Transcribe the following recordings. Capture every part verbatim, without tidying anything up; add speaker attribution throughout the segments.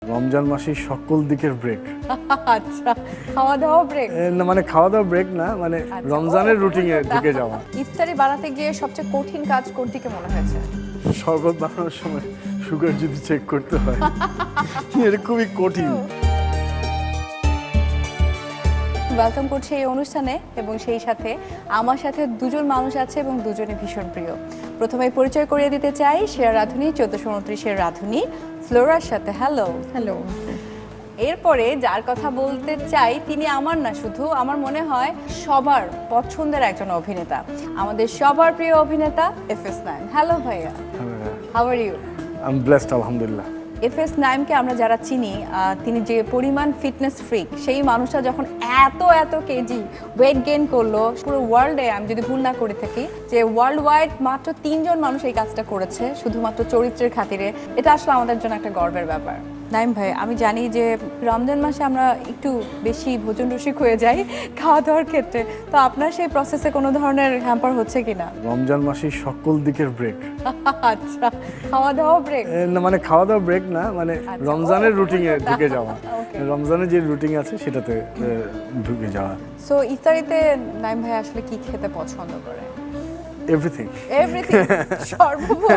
Speaker 1: রমজান মাসের সকল দিকের ব্রেক।
Speaker 2: আচ্ছা, খাওয়া দাওয়া ব্রেক
Speaker 1: না মানে খাওয়া দাওয়া ব্রেক না, মানে রমজানের রুটিনে ঢুকে যাওয়া।
Speaker 2: ইফতারি বানাতে গিয়ে সবচেয়ে কঠিন কাজ কোনটিকে মনে হয়েছে?
Speaker 1: শরবত বানানোর সময় সুগার যদি চেক করতে হয়, এটা খুবই কঠিন।
Speaker 2: ওয়েলকাম করছি এই অনুষ্ঠানে এবং সেই সাথে আমার সাথে দুজন মানুষ আছে এবং দুজনে ভীষণ প্রিয়। প্রথমে পরিচয় করিয়ে দিতে চাই শেয়ার রাধুনী, চোদ্দশো উনত্রিশের রাধুনী ফ্লোরার সাথে। Hello
Speaker 3: hello.
Speaker 2: এরপরে যার কথা বলতে চাই তিনি আমার না, শুধু আমার মনে হয় সবার পছন্দের একজন অভিনেতা, আমাদের সবার প্রিয় অভিনেতা এফ এস নাইম। হ্যালো ভাইয়া, how are you?
Speaker 1: I am blessed, আলহামদুলিল্লাহ।
Speaker 2: এফ এস নাইমকে আমরা যারা চিনি, তিনি যে পরিমাণ ফিটনেস ফ্রিক, সেই মানুষটা যখন এত এত কেজি ওয়েট গেইন করলো, পুরো ওয়ার্ল্ডে আমি যদি ভুল না করে থাকি যে ওয়ার্ল্ড ওয়াইড মাত্র তিনজন মানুষ এই কাজটা করেছে শুধুমাত্র চরিত্রের খাতিরে। এটা আসলে আমাদের জন্য একটা গর্বের ব্যাপার। নাইম ভাই, আমি জানি যে রমজান মাসে আমরা একটু বেশি ভোজন রসিক হয়ে যাই খাওয়া দাওয়ার ক্ষেত্রে, তো আপনার সেই প্রসেসে কোনো ধরনের হ্যাম্পার হচ্ছে কিনা?
Speaker 1: রমজান মাসের সকল দিকের ব্রেক।
Speaker 2: আচ্ছা, খাওয়া দাওয়া ব্রেক
Speaker 1: না মানে খাওয়া দাওয়া ব্রেক না, মানে রমজানের রুটিনে ঢুকে যাওয়া। রমজানের যে রুটিন আছে সেটাতে ঢুকে যাওয়া।
Speaker 2: সো ইফতারিতে নাইম ভাই আসলে কি খেতে পছন্দ করে?
Speaker 1: এভরিথিং
Speaker 2: এভরিথিং সর্বভোগ।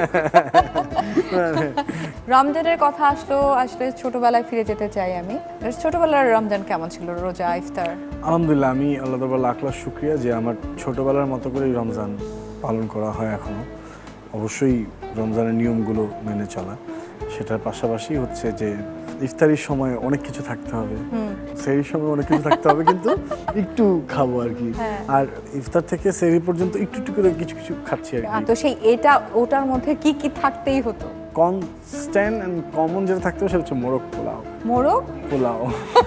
Speaker 2: রমজানের কথা আসলো, আসলে ছোটবেলায় ফিরে যেতে চাই আমি। ছোটবেলার রমজান কেমন ছিল? রোজা, ইফতার?
Speaker 1: আলহামদুলিল্লাহ, আমি আল্লাহ তাআলার লাখ লাখ শুকরিয়া যে আমার ছোটবেলার মতো করেই রমজান পালন করা হয় এখনো। অবশ্যই রমজানের নিয়মগুলো মেনে চলা, সেটার পাশাপাশি হচ্ছে যে ইফতারির সময় অনেক কিছু থাকতে হবে, সেই সময় অনেক কিছু থাকতে হবে, কিন্তু একটু খাবো আর কি। আর ইফতার থেকে সেহরি পর্যন্ত একটু একটু করে কিছু কিছু খাচ্ছি আর কি।
Speaker 2: তো সেই এটা ওটার মধ্যে কি কি থাকতেই হতো?
Speaker 1: কনস্ট্যান্ট এন্ড কমন যেটা থাকতে হবে সেটা হচ্ছে মোরগ পোলাও।
Speaker 2: মোরগ
Speaker 1: পোলাও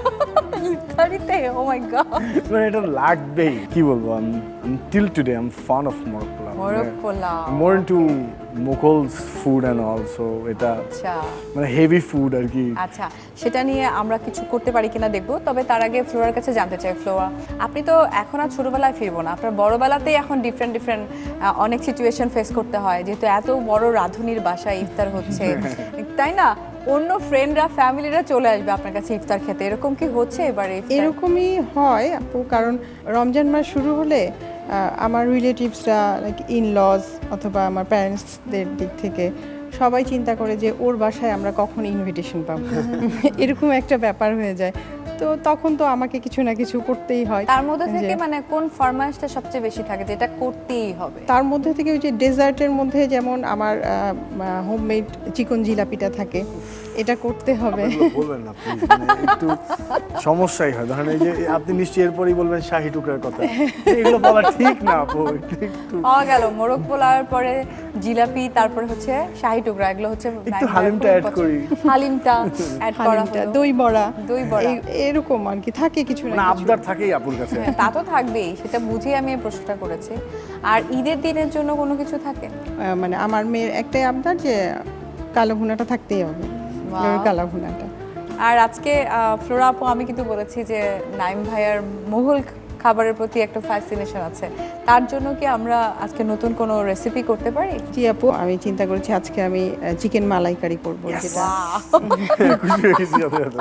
Speaker 2: ইফতারিতে? ও মাই গড,
Speaker 1: মানে এটা লাগবেই। কি বলবো, আমি till today I am fan of মোরগ পোলাও।
Speaker 2: মোরগ পোলাও
Speaker 1: more into Mughals food and also এটা
Speaker 2: আচ্ছা
Speaker 1: মানে হেভি ফুড আর কি।
Speaker 2: আচ্ছা, সেটা নিয়ে আমরা কিছু করতে পারি কিনা দেখবো। তবে তার আগে ফ্লোরার কাছে জানতে চাই, ফ্লোরা আপনি তো এখন আর ছোটবেলায় ফিরবো না, আপনার বড়বেলাতেই এখন ডিফারেন্ট ডিফারেন্ট অনেক সিচুয়েশন ফেস করতে হয়, যেহেতু এত বড় রাঁধুনির বাসায় ইফতার হচ্ছে, তাই না? অন্য ফ্রেন্ডরা, ফ্যামিলিরা চলে আসবে আপনার কাছে ইফতার খেতে, এরকম কি হচ্ছে এবারে?
Speaker 3: এরকমই হয় আপু, কারণ রমজান মাস শুরু হলে আমার রিলেটিভসরা লাইক ইন লজ অথবা আমার প্যারেন্টসদের দিক থেকে সবাই চিন্তা করে যে ওর বাসায় আমরা কখন ইনভিটেশন পাবো, এরকম একটা ব্যাপার হয়ে যায়। তো তখন তো আমাকে কিছু না কিছু করতেই হয়।
Speaker 2: তার মধ্যে থেকে মানে কোন ফরমাইশটা সবচেয়ে বেশি থাকে যেটা করতেই হবে?
Speaker 3: তার মধ্যে থেকে ওই যে ডেজার্টের মধ্যে যেমন আমার হোমমেড চিকন জিলাপিটা থাকে, এটা করতে হবে।
Speaker 1: বলবেন না প্লিজ, মানে একটু সমস্যাই হয়। ধরেন এই যে আপনি নিশ্চয়ই এরপরই বলবেন শাহী টুকরার কথা, এগুলো বলা ঠিক না আপু। একটু
Speaker 2: পাওয়া গেল মোরগ পোলাওর পরে জিলাপি, তারপরে হচ্ছে শাহী টুকরা, এগুলো হচ্ছে
Speaker 1: একটু হালিমটা অ্যাড করি।
Speaker 2: হালিমটা অ্যাড করা
Speaker 3: হালিমটা,
Speaker 2: হলো,
Speaker 3: দই বড়া,
Speaker 2: দই বড়া,
Speaker 3: এই- এরকম আর কি থাকে কিছু না
Speaker 1: মানে
Speaker 3: কিছু।
Speaker 1: আবদার থাকেই আপুর কাছে।
Speaker 2: হ্যাঁ, তা তো থাকবেই, সেটা বুঝেই আমি এই প্রশ্নটা করেছি। আর ঈদের দিনের জন্য কোনো কিছু থাকে?
Speaker 3: আহ, মানে আমার মেয়ের একটাই আবদার যে কালো ভুনাটা থাকতেই হবে,
Speaker 2: Wow.
Speaker 3: কালো ভুনাটা।
Speaker 2: আর আজকে ফ্লোরা আপু, আমি কিন্তু বলেছি যে নাইম ভাইয়ার মুঘল খাবারের প্রতি একটা ফ্যাসিনেশন আছে, তার জন্য কি আমরা আজকে নতুন কোনো রেসিপি করতে পারি?
Speaker 3: জি আপু, আমি চিন্তা করেছি আজকে আমি চিকেন মালাইকারি করবো, যেটা
Speaker 1: খুশি হয়ে গেছি সাথে সাথে।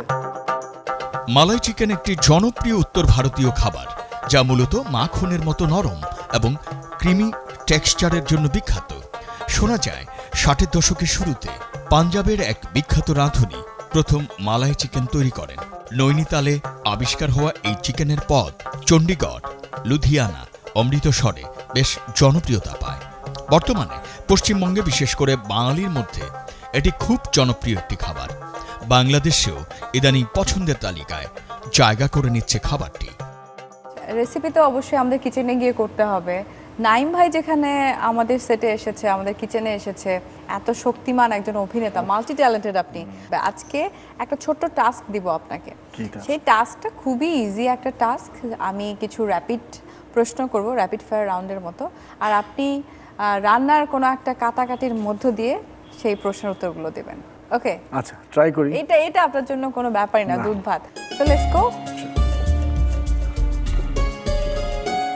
Speaker 4: মালাই চিকেন একটি জনপ্রিয় উত্তর ভারতীয় খাবার, যা মূলত মাখনের মতো নরম এবং ক্রিমি টেক্সচারের জন্য বিখ্যাত। শোনা যায় ষাটের দশকের শুরুতে পাঞ্জাবের এক বিখ্যাত রাঁধুনি প্রথম মালাই চিকেন তৈরি করেন। নৈনিতালে আবিষ্কার হওয়া এই চিকেনের পদ চণ্ডীগড়, লুধিয়ানা, অমৃতসরে বেশ জনপ্রিয়তা পায়। বর্তমানে পশ্চিমবঙ্গে, বিশেষ করে বাঙালির মধ্যে এটি খুব জনপ্রিয় একটি খাবার। বাংলাদেশেও ইদানিং পছন্দের তালিকায় জায়গা করে নিচ্ছে খাবারটি।
Speaker 2: রেসিপি তো অবশ্যই আমাদের কিচেনে গিয়ে করতে হবে। নাইম ভাই যেখানে আমাদের সেটে এসেছে, আমাদের কিচেনে এসেছে, এত শক্তিমান একজন অভিনেতা, মাল্টি ট্যালেন্টেড আপনি, আজকে একটা ছোট্ট টাস্ক দিব আপনাকে। সেই টাস্কটা খুবই ইজি একটা টাস্ক। আমি কিছু র্যাপিড প্রশ্ন করব, র্যাপিড ফায়ার রাউন্ডের মতো, আর আপনি রান্নার কোনো একটা কাটাকাটির মধ্য দিয়ে সেই প্রশ্নের উত্তরগুলো দেবেন। ওকে?
Speaker 1: আচ্ছা, ট্রাই করি।
Speaker 2: এটা এটা আপনার জন্য কোনো ব্যাপারই না, দুধ ভাত। So let's go.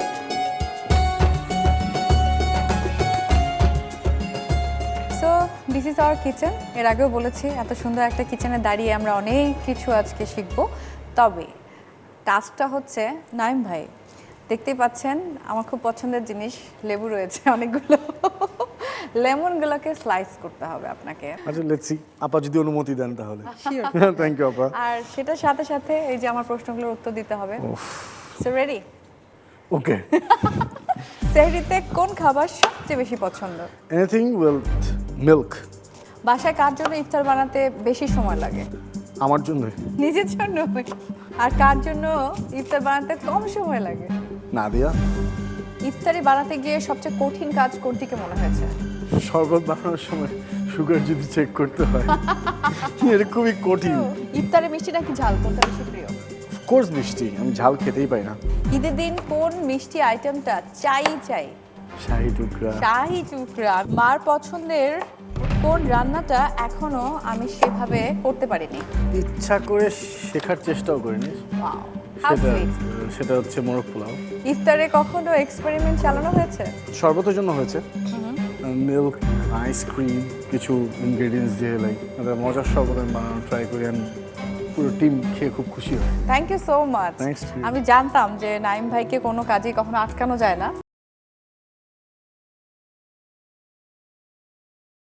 Speaker 2: So this is our kitchen. এর আগেও বলেছি এত সুন্দর একটা কিচেনে দাঁড়িয়ে আমরা অনেক কিছু আজকে শিখব। তবে কাজটা হচ্ছে নাইম ভাই, দেখতেই পাচ্ছেন আমার খুব পছন্দের জিনিস লেবু রয়েছে অনেকগুলো, লেমনগুলোকে স্লাইস করতে হবে আপনাকে।
Speaker 1: আচ্ছা লেটস সি, আপা যদি অনুমতি দেন তাহলে। থ্যাংক ইউ আপা।
Speaker 2: আর সেটার সাথে সাথে এই যে আমার প্রশ্নগুলোর উত্তর দিতে হবে। So ready?
Speaker 1: ওকে।
Speaker 2: সেহরিতে কোন খাবার সবচেয়ে বেশি পছন্দ?
Speaker 1: Anything with milk.
Speaker 2: বাসায় কার জন্য ইফতার বানাতে বেশি সময় লাগে?
Speaker 1: আমার জন্য।
Speaker 2: নিজের জন্য। আর কার জন্য ইফতার বানাতে কম সময় লাগে?
Speaker 1: নাদিয়া।
Speaker 2: ইফতারি বানাতে গিয়ে সবচেয়ে কঠিন কাজ কোনটিকে মনে হয়েছে?
Speaker 1: শরবত বানানোর সময় সুগার যদি চেক করতে হয়, এটা খুবই কঠিন।
Speaker 2: ইফতারে মিষ্টি নাকি ঝাল, কোনটা বেশি প্রিয়?
Speaker 1: কোর্স মিষ্টি, আমি ঝাল খেতেই পাই না।
Speaker 2: ঈদের দিন কোন মিষ্টি আইটেমটা চাই চাই?
Speaker 1: শাহি টুকরা।
Speaker 2: শাহি টুকরা। মার পছন্দের কোন রান্নাটা এখনো আমি সেভাবে করতে পারিনি?
Speaker 1: ইচ্ছা করে শেখার চেষ্টাও করিনি।
Speaker 2: Wow, how
Speaker 1: সেটা
Speaker 2: sweet.
Speaker 1: সেটা হচ্ছে মোরগ পোলাও।
Speaker 2: ইফতারে কখনো এক্সপেরিমেন্ট চালানো হয়েছে?
Speaker 1: শরবতের জন্য হয়েছে, মিল্ক, আইসক্রিম, কিছু ইনগ্রেডিয়েন্টস দিয়ে লাইক মজার শরবত আমি বানানো ট্রাই করি, and পুরো টিম খেয়ে খুব খুশি হয়।
Speaker 2: Thank you so much.
Speaker 1: Thanks to you.
Speaker 2: আমি জানতাম যে নাইম ভাইকে কোনো কাজে কখনো আটকানো যায় না।